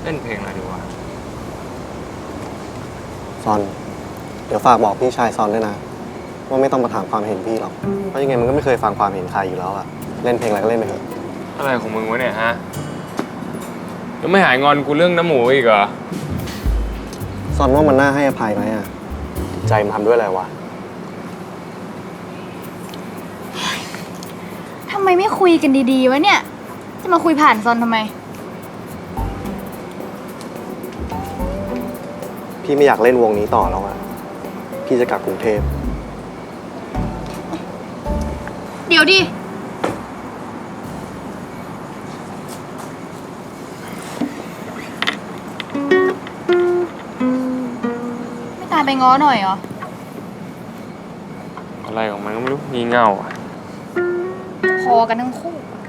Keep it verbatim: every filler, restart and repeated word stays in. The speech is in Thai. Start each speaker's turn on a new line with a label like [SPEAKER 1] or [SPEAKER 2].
[SPEAKER 1] ล่นเพลงอะไรดีวะ
[SPEAKER 2] ซอนเดี๋ยวฝากบอกพี่ชายซอนด้วยนะว่าไม่ต้องมาถามความเห็นพี่หรอกเพราะยังไงมันก็ไม่เคยฟังความเห็นใครอยู่แล้วอะเล่นเพลงอะไรก็เล่นไปเถอะ
[SPEAKER 1] อะไรของมึงวะเนี่ยฮะยังไม่หายงอนกูเรื่องน้ำหมูอีกเหรอ
[SPEAKER 2] ซอนว่ามันน่าให้อภัยไหมอะใจมันทำด้วยอะไรวะ
[SPEAKER 3] ทำไมไม่คุยกันดีๆวะเนี่ย จะมาคุยผ่านซอนทำไม
[SPEAKER 2] พี่ไม่อยากเล่นวงนี้ต่อแล้วอะพี่จะกลับกรุงเทพ
[SPEAKER 3] เดี๋ยวดิ ไม่ตามไปง้อหน่อยเหรอ
[SPEAKER 1] อะไรของมันก็ไม่รู้งี่เง่าอ่ะ
[SPEAKER 3] พอกันทั้งคู่